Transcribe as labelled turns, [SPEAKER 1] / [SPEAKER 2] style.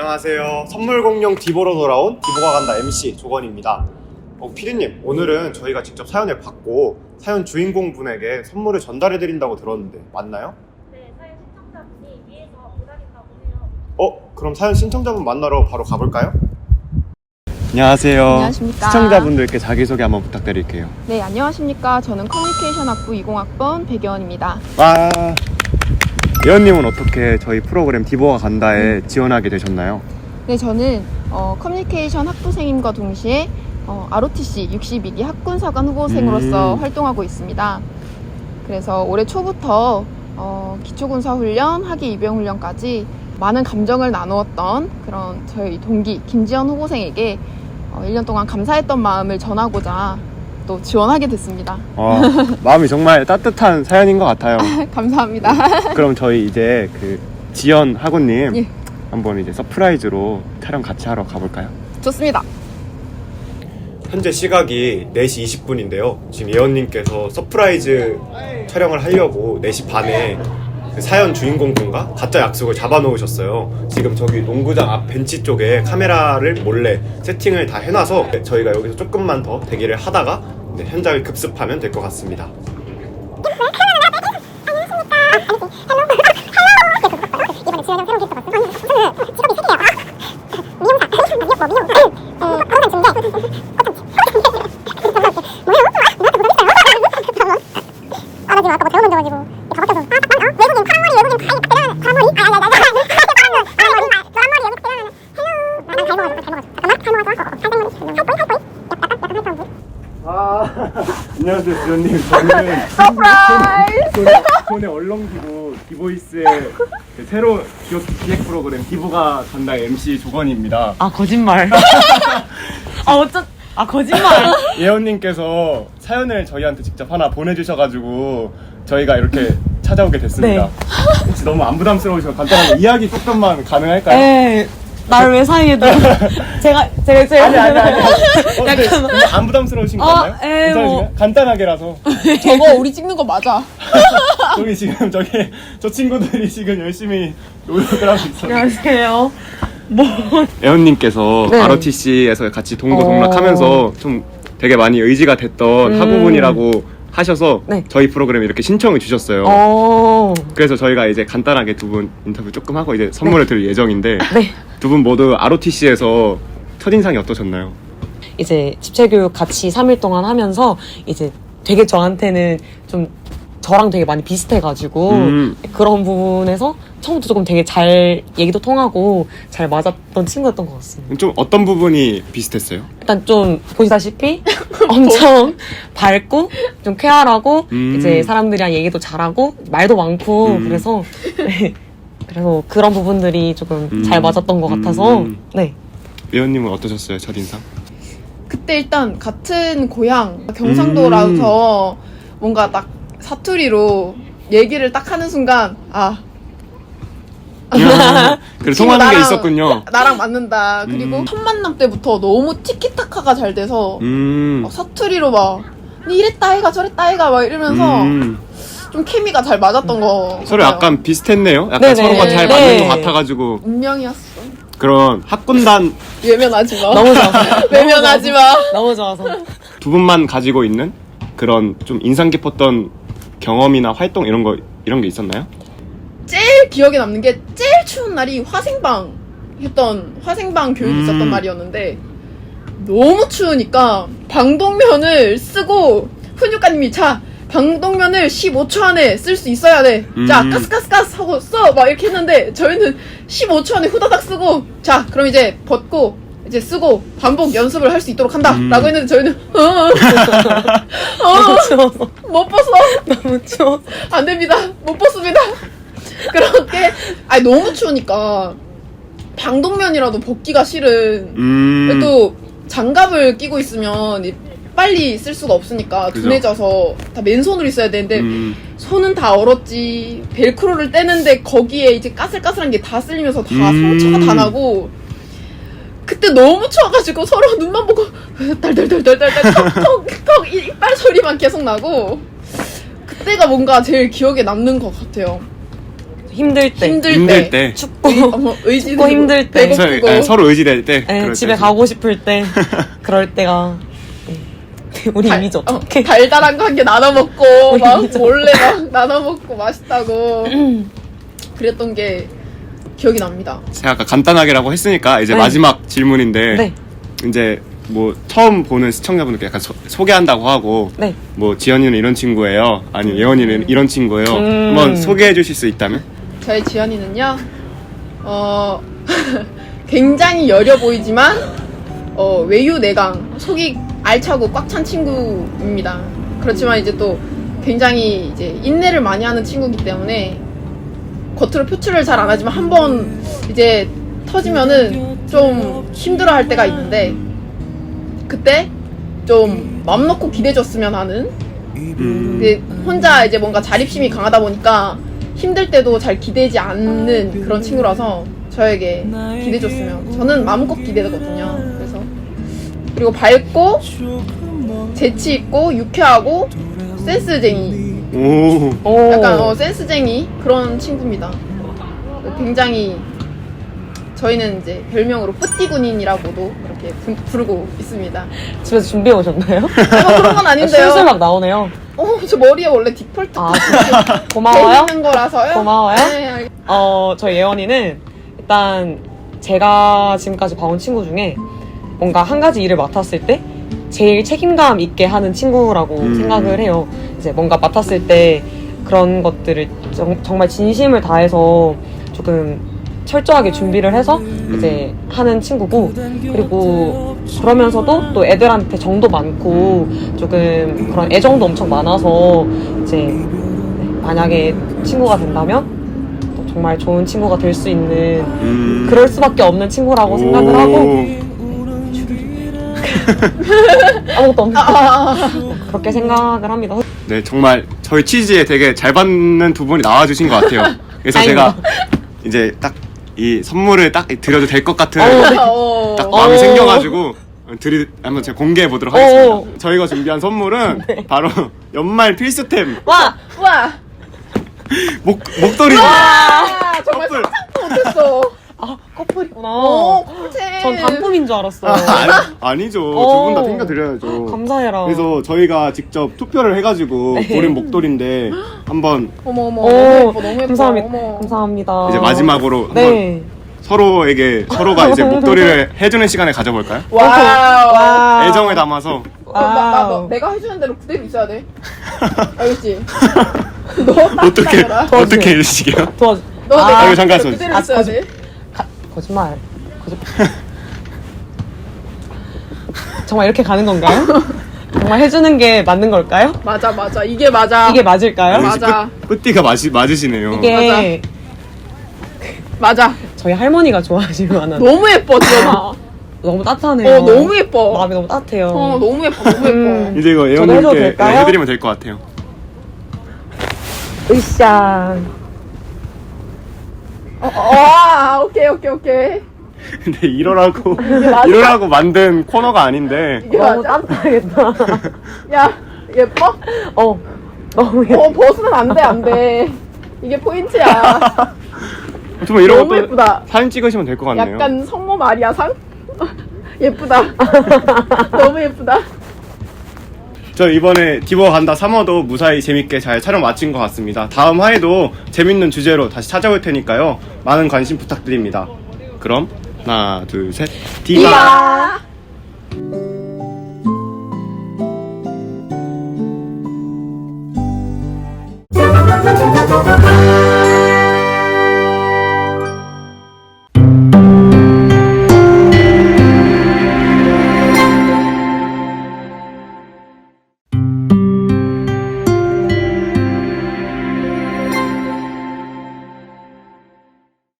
[SPEAKER 1] 안녕하세요. 선물 공룡 디보로 돌아온 디보가 간다 MC 조건입니다. 피디님, 오늘은 저희가 직접 사연을 받고 사연 주인공분에게 선물을 전달해드린다고 들었는데 맞나요?
[SPEAKER 2] 네, 사연 신청자분이 위에서 기다린다고 해요.
[SPEAKER 1] 그럼 사연 신청자분 만나러 바로 가볼까요? 안녕하세요.
[SPEAKER 3] 안녕하십니까.
[SPEAKER 1] 시청자분들께 자기소개 한번 부탁드릴게요.
[SPEAKER 3] 네, 안녕하십니까. 저는 커뮤니케이션 학부 20학번 백예원입니다.
[SPEAKER 1] 와, 예원님은 어떻게 저희 프로그램 디보가 간다에 지원하게 되셨나요?
[SPEAKER 3] 네, 저는 커뮤니케이션 학부생임과 동시에 ROTC 62기 학군사관 후보생으로서 활동하고 있습니다. 그래서 올해 초부터 기초군사훈련, 하기 입영훈련까지 많은 감정을 나누었던 그런 저희 동기 김지연 후보생에게 1년 동안 감사했던 마음을 전하고자 또 지원하게 됐습니다.
[SPEAKER 1] 마음이 정말 따뜻한 사연인 것 같아요.
[SPEAKER 3] 감사합니다.
[SPEAKER 1] 그럼 저희 이제 그 지연 학우님
[SPEAKER 3] 예.
[SPEAKER 1] 한번 이제 서프라이즈로 촬영 같이 하러 가볼까요?
[SPEAKER 3] 좋습니다.
[SPEAKER 1] 현재 시각이 4시 20분인데요. 지금 예원님께서 서프라이즈 촬영을 하려고 4시 반에 그 사연 주인공분과 가짜 약속을 잡아놓으셨어요. 지금 저기 농구장 앞 벤치 쪽에 카메라를 몰래 세팅을 다 해놔서 저희가 여기서 조금만 더 대기를 하다가 현장을 급습하면 될 것 같습니다. 안녕하세요, 지연님. 저는 손에 얼렁기고 디보이스의 새로운 기획 프로그램 디보가 간다 MC 조건입니다.
[SPEAKER 4] 거짓말. 거짓말.
[SPEAKER 1] 예원님께서 사연을 저희한테 직접 하나 보내주셔가지고 저희가 이렇게 찾아오게 됐습니다.
[SPEAKER 4] 네.
[SPEAKER 1] 혹시 너무 안 부담스러우시면 간단하게 이야기 조금만 가능할까요?
[SPEAKER 4] 네. 나를 왜 사이에 둬? 제가.
[SPEAKER 1] 아니.
[SPEAKER 4] 약간.
[SPEAKER 1] 안 부담스러우신 건가요? 괜찮으신가요? 간단하게라서.
[SPEAKER 3] 저거 우리 찍는 거 맞아.
[SPEAKER 1] 저기 지금 저 친구들이 지금 열심히 노력을 하고 있어요.
[SPEAKER 4] 안녕하세요.
[SPEAKER 1] 예원님께서
[SPEAKER 4] 네.
[SPEAKER 1] ROTC에서 같이 동고동락하면서 좀 되게 많이 의지가 됐던 학우분이라고 하셔서
[SPEAKER 4] 네.
[SPEAKER 1] 저희 프로그램에 이렇게 신청을 주셨어요. 그래서 저희가 이제 간단하게 두 분 인터뷰 조금 하고 이제 선물을 드릴 예정인데
[SPEAKER 4] 네.
[SPEAKER 1] 두 분 모두 ROTC에서 첫인상이 어떠셨나요?
[SPEAKER 4] 이제 집체교육 같이 3일 동안 하면서 이제 되게 저한테는 좀 저랑 되게 많이 비슷해가지고 그런 부분에서 처음부터 조금 되게 잘 얘기도 통하고 잘 맞았던 친구였던 것 같습니다.
[SPEAKER 1] 좀 어떤 부분이 비슷했어요?
[SPEAKER 4] 일단 좀 보시다시피 엄청 밝고 좀 쾌활하고 이제 사람들이랑 얘기도 잘하고 말도 많고 그래서 네. 그래서 그런 부분들이 조금 잘 맞았던 것 같아서 네.
[SPEAKER 1] 예원님은 어떠셨어요? 첫인상?
[SPEAKER 3] 그때 일단 같은 고향 경상도라서 뭔가 딱 사투리로 얘기를 딱 하는 순간
[SPEAKER 1] 그래 통하는 게 있었군요.
[SPEAKER 3] 나랑 맞는다. 그리고 첫 만남 때부터 너무 티키타카가 잘 돼서 막 사투리로 막 니 이랬다 해가 저랬다 해가 막 이러면서 좀 케미가 잘 맞았던 거
[SPEAKER 1] 서로
[SPEAKER 3] 같아요.
[SPEAKER 1] 약간 비슷했네요. 약간
[SPEAKER 4] 네네.
[SPEAKER 1] 서로가 잘 맞는 것 같아가지고
[SPEAKER 3] 운명이었어.
[SPEAKER 1] 그런 학군단
[SPEAKER 3] 외면하지 마.
[SPEAKER 4] 너무 좋아서
[SPEAKER 3] 외면하지 마.
[SPEAKER 4] 너무 좋아서
[SPEAKER 1] 두 분만 가지고 있는 그런 좀 인상 깊었던 경험이나 활동 이런 게 있었나요?
[SPEAKER 3] 제일 기억에 남는 게 제일 추운 날이 화생방 교육이 있었던 날이었는데 너무 추우니까 방독면을 쓰고 훈육가님이 자 방독면을 15초 안에 쓸 수 있어야 돼. 자 가스가스 하고 써 막 이렇게 했는데 저희는 15초 안에 후다닥 쓰고 자 그럼 이제 벗고 이제 쓰고 반복 연습을 할 수 있도록 한다 라고 했는데 저희는
[SPEAKER 4] 너무 추워서
[SPEAKER 3] 못 벗어
[SPEAKER 4] 너무 추워서
[SPEAKER 3] 안 됩니다. 못 벗습니다. 그렇게 너무 추우니까 방독면이라도 벗기가 싫은 또 장갑을 끼고 있으면 빨리 쓸 수가 없으니까
[SPEAKER 1] 그죠.
[SPEAKER 3] 둔해져서 다 맨손으로 있어야 되는데 손은 다 얼었지. 벨크로를 떼는데 거기에 이제 까슬까슬한 게 다 쓸리면서 다 상처가 다 나고 그때 너무 추워가지고 서로 눈만 보고 달달달달달달 턱턱턱 이빨 소리만 계속 나고 그때가 뭔가 제일 기억에 남는 것 같아요.
[SPEAKER 4] 힘들 때,
[SPEAKER 1] 힘들 때.
[SPEAKER 4] 춥고
[SPEAKER 3] 의지
[SPEAKER 4] 춥고 힘들 때,
[SPEAKER 3] 배고프고.
[SPEAKER 1] 서로 의지될 때.
[SPEAKER 4] 예,
[SPEAKER 1] 그럴
[SPEAKER 4] 집에
[SPEAKER 1] 때.
[SPEAKER 4] 가고 싶을 때 그럴 때가 예. 우리 이미지 어떡해?
[SPEAKER 3] 달달한 거 한 개 나눠 먹고
[SPEAKER 4] 우리
[SPEAKER 3] 막
[SPEAKER 4] 이미지
[SPEAKER 3] 몰래 막 나눠 먹고 맛있다고 그랬던 게 기억이 납니다.
[SPEAKER 1] 제가 아까 간단하게라고 했으니까 이제
[SPEAKER 4] 네.
[SPEAKER 1] 마지막 질문인데
[SPEAKER 4] 네.
[SPEAKER 1] 이제 뭐 처음 보는 시청자분들께 약간 소개한다고 하고
[SPEAKER 4] 네.
[SPEAKER 1] 뭐 지연이는 이런 친구예요. 아니면 예원이는 이런 친구예요. 한번 소개해 주실 수 있다면?
[SPEAKER 3] 저의 지연이는요, 굉장히 여려 보이지만, 외유내강, 속이 알차고 꽉 찬 친구입니다. 그렇지만 이제 또 굉장히 이제 인내를 많이 하는 친구이기 때문에, 겉으로 표출을 잘 안 하지만 한번 이제 터지면은 좀 힘들어 할 때가 있는데, 그때 좀 맘 놓고 기대줬으면 하는, 근데 혼자 이제 뭔가 자립심이 강하다 보니까 힘들 때도 잘 기대지 않는 그런 친구라서 저에게 기대줬으면 저는 마음껏 기대거든요. 그래서 그리고 밝고 재치 있고 유쾌하고 센스쟁이,
[SPEAKER 1] 오.
[SPEAKER 3] 약간 센스쟁이 그런 친구입니다. 굉장히 저희는 이제 별명으로 뿌띠군인이라고도 그렇게 부르고 있습니다.
[SPEAKER 4] 집에서 준비해 오셨나요?
[SPEAKER 3] 뭐 그런 건 아닌데요.
[SPEAKER 4] 슬슬 막 나오네요.
[SPEAKER 3] 저 머리에 원래 디폴트
[SPEAKER 4] 아, 진짜. 고마워요.
[SPEAKER 3] 있는 거라서요.
[SPEAKER 4] 고마워요.
[SPEAKER 3] 네,
[SPEAKER 4] 저희 예원이는 일단 제가 지금까지 봐온 친구 중에 뭔가 한 가지 일을 맡았을 때 제일 책임감 있게 하는 친구라고 생각을 해요. 이제 뭔가 맡았을 때 그런 것들을 정말 진심을 다해서 조금 철저하게 준비를 해서 이제 하는 친구고, 그리고 그러면서도 또 애들한테 정도 많고 조금 그런 애정도 엄청 많아서 이제 만약에 친구가 된다면 또 정말 좋은 친구가 될 수 있는 그럴 수밖에 없는 친구라고 생각을 하고 아무것도 없는 그렇게 생각을 합니다.
[SPEAKER 1] 네, 정말 저희 치즈에 되게 잘 받는 두 분이 나와주신 것 같아요. 그래서
[SPEAKER 4] 다행이다.
[SPEAKER 1] 제가 이제 딱 이 선물을 딱 드려도 될 것 같은 딱
[SPEAKER 3] 어.
[SPEAKER 1] 마음이 생겨가지고 한번 제가 공개해 보도록 하겠습니다. 저희가 준비한 선물은 바로 연말 필수템
[SPEAKER 4] 와!
[SPEAKER 3] 우와.
[SPEAKER 1] 목도리.
[SPEAKER 3] 아, 정말
[SPEAKER 1] 커플.
[SPEAKER 3] 상상도 못했어.
[SPEAKER 4] 아, 커플이구나.
[SPEAKER 3] 꿀잼.
[SPEAKER 4] 전 단품인 줄 알았어요.
[SPEAKER 1] 아니죠. 두
[SPEAKER 4] 어.
[SPEAKER 1] 분 다 챙겨드려야죠.
[SPEAKER 4] 감사해라.
[SPEAKER 1] 그래서 저희가 직접 투표를 해가지고 고른 목도리인데 한번
[SPEAKER 3] 어머
[SPEAKER 4] 오,
[SPEAKER 3] 너무 예뻐 너무 예뻐.
[SPEAKER 4] 감사합니다.
[SPEAKER 3] 어머.
[SPEAKER 4] 감사합니다.
[SPEAKER 1] 이제 마지막으로 한번
[SPEAKER 4] 네.
[SPEAKER 1] 서로가 이제 목도리를 해주는 시간을 가져볼까요?
[SPEAKER 3] 와우.
[SPEAKER 4] 와.
[SPEAKER 1] 애정을 담아서.
[SPEAKER 3] 너 내가 해주는 대로 그대로 있어야 돼. 알겠지? 너
[SPEAKER 1] 어떻게
[SPEAKER 3] 따라라.
[SPEAKER 1] 어떻게 해주시게요?
[SPEAKER 4] 도와줘.
[SPEAKER 3] 너
[SPEAKER 4] 아,
[SPEAKER 3] 내가
[SPEAKER 1] 이거 잠깐
[SPEAKER 3] 그대로
[SPEAKER 1] 써주세요.
[SPEAKER 3] 있어야 돼.
[SPEAKER 4] 거짓말. 정말 이렇게 가는 건가요? 정말 해주는 게 맞는 걸까요?
[SPEAKER 3] 맞아 이게 맞아.
[SPEAKER 4] 이게 맞을까요?
[SPEAKER 3] 맞아.
[SPEAKER 1] 뿌띠가 맞으시네요.
[SPEAKER 4] 이게
[SPEAKER 3] 맞아.
[SPEAKER 4] 저희 할머니가 좋아하실 만한
[SPEAKER 3] 너무 예뻐 지연아.
[SPEAKER 4] 너무 따뜻하네요.
[SPEAKER 3] 너무 예뻐.
[SPEAKER 4] 마음이 너무 따뜻해요.
[SPEAKER 3] 너무 예뻐 너무 예뻐.
[SPEAKER 1] 이제 이거
[SPEAKER 4] 저도 해줘도
[SPEAKER 1] 예원님께
[SPEAKER 4] 될까요?
[SPEAKER 1] 해드리면 될 것 같아요.
[SPEAKER 4] 으쌰.
[SPEAKER 3] 오케이.
[SPEAKER 1] 근데 이러라고 만든 코너가 아닌데.
[SPEAKER 3] 이게
[SPEAKER 4] 너무
[SPEAKER 3] 맞아?
[SPEAKER 4] 따뜻하겠다.
[SPEAKER 3] 야 예뻐?
[SPEAKER 4] 너무 예뻐.
[SPEAKER 3] 벗으면 안돼. 이게 포인트야.
[SPEAKER 1] 정말 이런
[SPEAKER 3] 너무
[SPEAKER 1] 것도
[SPEAKER 3] 예쁘다.
[SPEAKER 1] 사진 찍으시면 될 것 같네요.
[SPEAKER 3] 약간 성모 마리아 상? 예쁘다. 너무 예쁘다.
[SPEAKER 1] 저 이번에 디버 간다 3화도 무사히 재밌게 잘 촬영 마친 것 같습니다. 다음 화에도 재밌는 주제로 다시 찾아올 테니까요. 많은 관심 부탁드립니다. 그럼 하나 둘 셋 디바.
[SPEAKER 3] 디바.